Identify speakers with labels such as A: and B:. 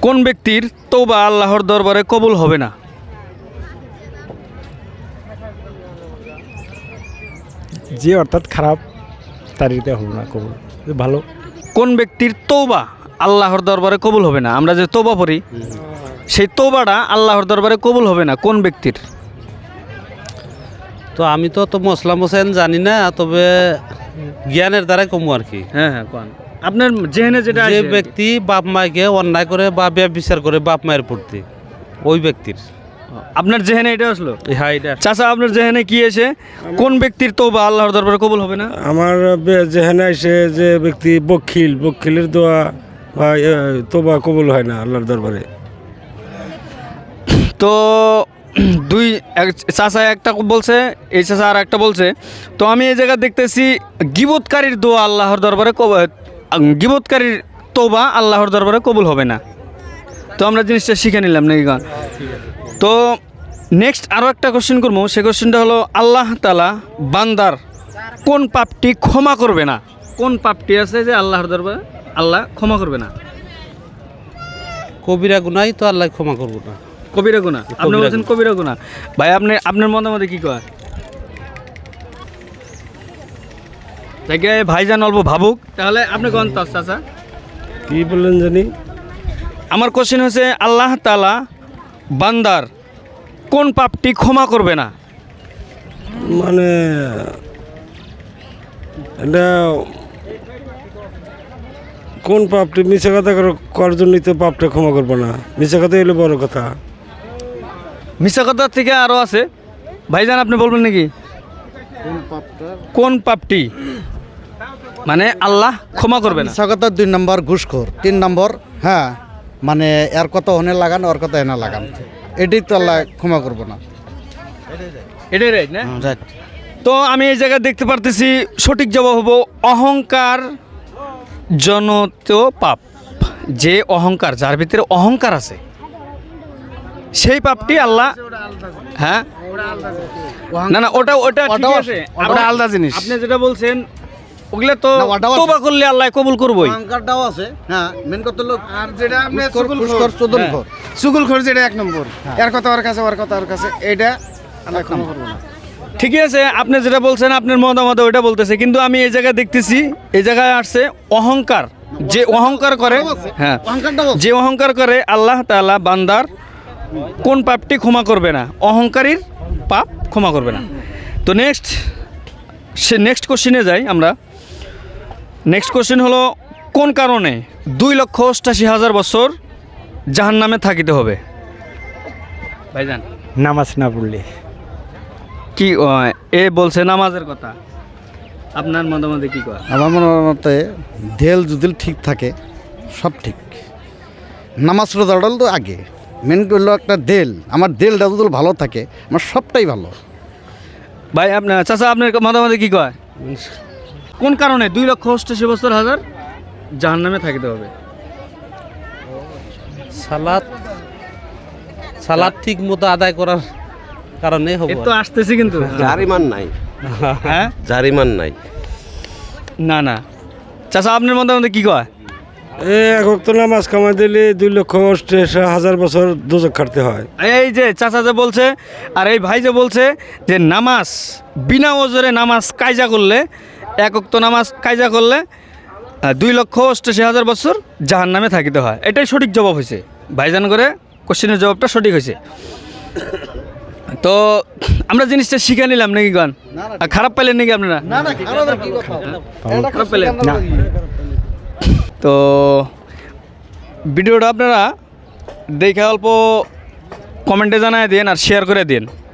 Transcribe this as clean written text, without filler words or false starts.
A: কোন ব্যক্তির তওবা আল্লাহর দরবারে কবুল হবে না?
B: যে অর্থাৎ খারাপ তারিতে হবে না কবুল, ভালো।
A: কোন ব্যক্তির তওবা আল্লাহর দরবারে কবুল হবে না? আমরা যে তওবা পড়ি সেই তওবাটা আল্লাহর দরবারে কবুল হবে না কোন ব্যক্তির?
C: তো আমি তো মসলাম হোসেন জানি না, তবে জ্ঞানের দ্বারাই কমু আর কি।
A: হ্যাঁ হ্যাঁ কোন আপনার জেহেনে যেটা
C: যে
A: আসে।
C: ব্যক্তি বাপ মাকে অন্যায় করে বা ব্যভিচার করে বাপ মায়ের প্রতি, ওই ব্যক্তির।
A: আপনার জেহেনে এটা আসলো?
C: হ্যাঁ, এটা
A: চাচা আপনার জেহেনে কি এসে কোন ব্যক্তির তওবা আল্লাহর দরবারে কবুল হবে না?
D: আমার যেখানে এসে যে ব্যক্তি বখিলের দোয়া বা তোবা কবুল হয় না আল্লাহর দরবারে।
A: তো চাচা একটা বলছে, এই চাচা আর একটা বলছে। তো আমি এই জায়গায় দেখতেছি গীবতকারীর দোয়া আল্লাহর দরবারে গীবতকারীর তওবা আল্লাহর দরবারে কবুল হবে না। তো আমরা জিনিসটা শিখে নিলাম নাকি গান। তো নেক্সট আরও একটা কোশ্চেন করবো, সে কোশ্চেনটা হলো আল্লাহ তাআলা বান্দার কোন পাপটি ক্ষমা করবে না? কোন পাপটি আছে যে আল্লাহর দরবারে আল্লাহ ক্ষমা করবে না?
C: কবিরা গুনাই তো আল্লাহ ক্ষমা করবো না।
A: কবিরা গুনাহ? আপনি বলছেন কবিরা গুনাহ। ভাই আপনার মতামতে কি কয়? দেখে ভাইজান অল্প ভাবুক, তাহলে আপনি কোন চাচা?
D: কি বললেন জানি?
A: আমার কোশ্চেন হচ্ছে আল্লাহ তাআলা বান্দার কোন পাপটি ক্ষমা করবে না?
D: মানে এটা কোন পাপটি? মিশা কথা করার জন্যই তো পাপটা ক্ষমা করবো না। মিশা কথা এলো বড় কথা।
A: মিশা কথার থেকে আরও আছে। ভাইজান আপনি বলবেন নাকি কোন পাপটি মানে আল্লাহ ক্ষমা করবে না?
E: স্বাগত 2 নম্বর ঘুষখোর, 3 নম্বর হ্যাঁ মানে এর কথা হনে লাগান, ওর কথা এনে লাগান, এটাই তো আল্লাহ ক্ষমা করবো না।
A: এটাই রাইট না? তো আমি এই জায়গায় দেখতে পারতেছি সঠিক জবাব হবো অহংকার জনিত পাপ। যে অহংকার, যার ভিতরে অহংকার আছে, সেই পাপটি আল্লাহ হ্যাঁ না না ওটা ঠিক আছে,
E: ওটা আলাদা জিনিস।
A: আপনি যেটা বলছেন ওগুলা তো
E: না, ওটাও আছে।
A: তওবা করলে আল্লাহ কবুল করবই।
E: অহংকারটাও আছে, হ্যাঁ মেন কথা হলো
F: আর যেটা আপনি
E: ঘুষখোর, চোদনখোর।
F: চুগলখোর যেটা 1 নম্বর, এর কথা ওর কাছে, ওর কথা ওর কাছে, এটা আল্লাহ ক্ষমা করবো না।
A: ঠিকই আছে, আপনি যেটা বলছেন আপনার মতামত ওইটা বলতেছে, কিন্তু আমি এই জায়গায় দেখতেছি এই জায়গায় আসছে অহংকার। যে অহংকার করে, হ্যাঁ
E: অহংকারটাও আছে।
A: যে অহংকার করে আল্লাহ তাআলা বান্দার কোন পাপটি ক্ষমা করবে না? অহংকারীর পাপ ক্ষমা করবে না। তো নেক্সট কোশ্চেনে যাই আমরা। নেক্সট কোশ্চেন হলো কোন কারণে 2,88,000 বছর জাহান্নামে থাকিতে হবে? ভাইজান
B: নামাজ না পড়লে।
A: কি এ বলছে নামাজের কথা, আপনার মতামতে কি কয়?
E: আমার মতে দেল যদি ঠিক থাকে সব ঠিক। নামাজ রোজাটা তো আগে, মেন করলো একটা দেল। আমার দেলটা যদি ভালো থাকে আমার সবটাই ভালো।
A: ভাই আপনার চাচা আপনার মতামতে কি কয়? কোন কারণে 2,88,000 বছর জাহান্নামে থাকিতে হবে?
C: সালাত ঠিক মতো আদায় করার কারণে হবে।
A: এর তো আসতেছি কিন্তু
G: জারিমান নাই,
A: হ্যাঁ
G: জারিমান নাই।
A: না না চাচা আপনার মতামতে কি কয়?
D: এক ওয়াক্ত নামাজ কামাই দিলে 2,88,000 বছর দোজখ খাটতে হয়।
A: এই যে চাচা যে বলছে আর এই ভাই যে বলছে যে নামাজ বিনা ওজরে নামাজ কায়জা করলে, এক ওয়াক্ত নামাজ কায়জা করলে 2,88,000 বছর জাহান্নামে থাকিতে হয়। এটাই সঠিক জবাব হয়েছে। ভাইজান করে কোশ্চেনের জবাবটা সঠিক হয়েছে। তো আমরা জিনিসটা শিখে নিলাম নাকি গান? খারাপ পাইলেন নাকি আপনারা? খারাপ পেলেন না? তো ভিডিওটা আপনারা দেখে অল্প কমেন্টে জানায় দিন আর শেয়ার করে দিন।